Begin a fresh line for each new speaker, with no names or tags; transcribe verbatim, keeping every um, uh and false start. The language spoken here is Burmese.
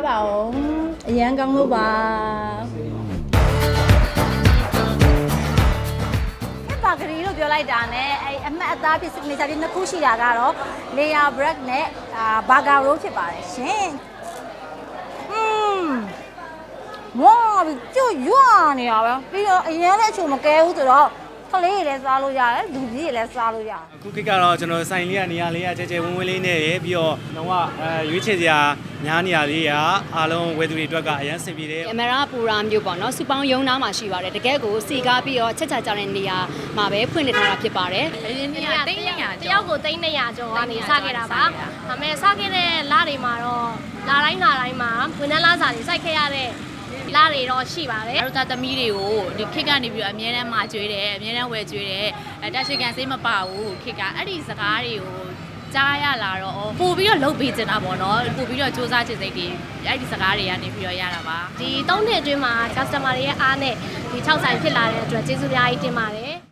ပါအောင်အရန်ကောင်းလို့ပါပါကလေးလို့ပြောလိုက်တာနဲ့အဲအမှတ်အသားဖြစ်နေစားပြီးနှစ်ခုရှိတာကတော့ layer bread နဲ့အာ burger roll ဖြစ်ပါတယ်ရှင်။อืมဝါကျွတ်ရွာနေရပါပြီးတော့အရင်လည်းအချို့မကဲဘူးဆိုတော့ကလေးတွေလည်းစားလို့ရတယ်လူကြီးတွေလည်းစားလို့ရတယ်
အခုခေတ်ကတော့ကျွန်တော်ဆိုင်လေးကနေရာလေးကကြဲကြဲဝင်းဝင်းလေးနဲ့ရပြီးတော့တော့အဲရွေးချယ်စရာညားနေရာလေးကအားလုံးဝယ်သူတွေအတွက်ကအရန်ဆင်ပြေတယ်
အမရာပူရာမျိုးပေါ့နော်စူပေါင်းရုံနာမှာရှိပါတယ်တကယ်ကိုစီကားပြီးတော့ချက်ချကြတဲ့နေရာမှာပဲဖွင့်လှစ်ထားတာဖြစ်ပါတယ်
အရင်ကတိတ်နေရတယောက်ကိုတိတ်နေရကျော်ကနေစခဲ့တာပါဒါပေမဲ့စခဲ့တဲ့လတွေမှာတော့လာတိုင်းလာတိုင်းမှာဝန်ထမ်းလာစာတွေစိုက်ခဲ့ရတဲ့လာတွေတော့ရှိပါတယ်
တို့သားသမီးတွေကိုဒီခစ်ကနေပြီးတော့အမြဲတမ်းမှာကျွေးတယ်အမြဲတမ်းဝယ်ကျွေးတယ်အဲတက်ရှိကန်စိတ်မပါဘူးခစ်ကအဲ့ဒီစကားတွေကိုကြားရလာတော့ပို့ပြီးတော့လှုပ်ပေးချင်တာပေါ့နော်ပို့ပြီးတော့စူးစမ်းချင်စိတ်တွေအဲ့ဒီစကားတွေကနေပြီးတော့ရတာပါ
ဒီသုံးနှစ်အတွင်းမှာ customer တွေရဲ့အားနဲ့ဒီ၆ဆိုင်ဖြစ်လာတဲ့အတွက်ကျေးဇူးများကြီးတင်ပါတယ်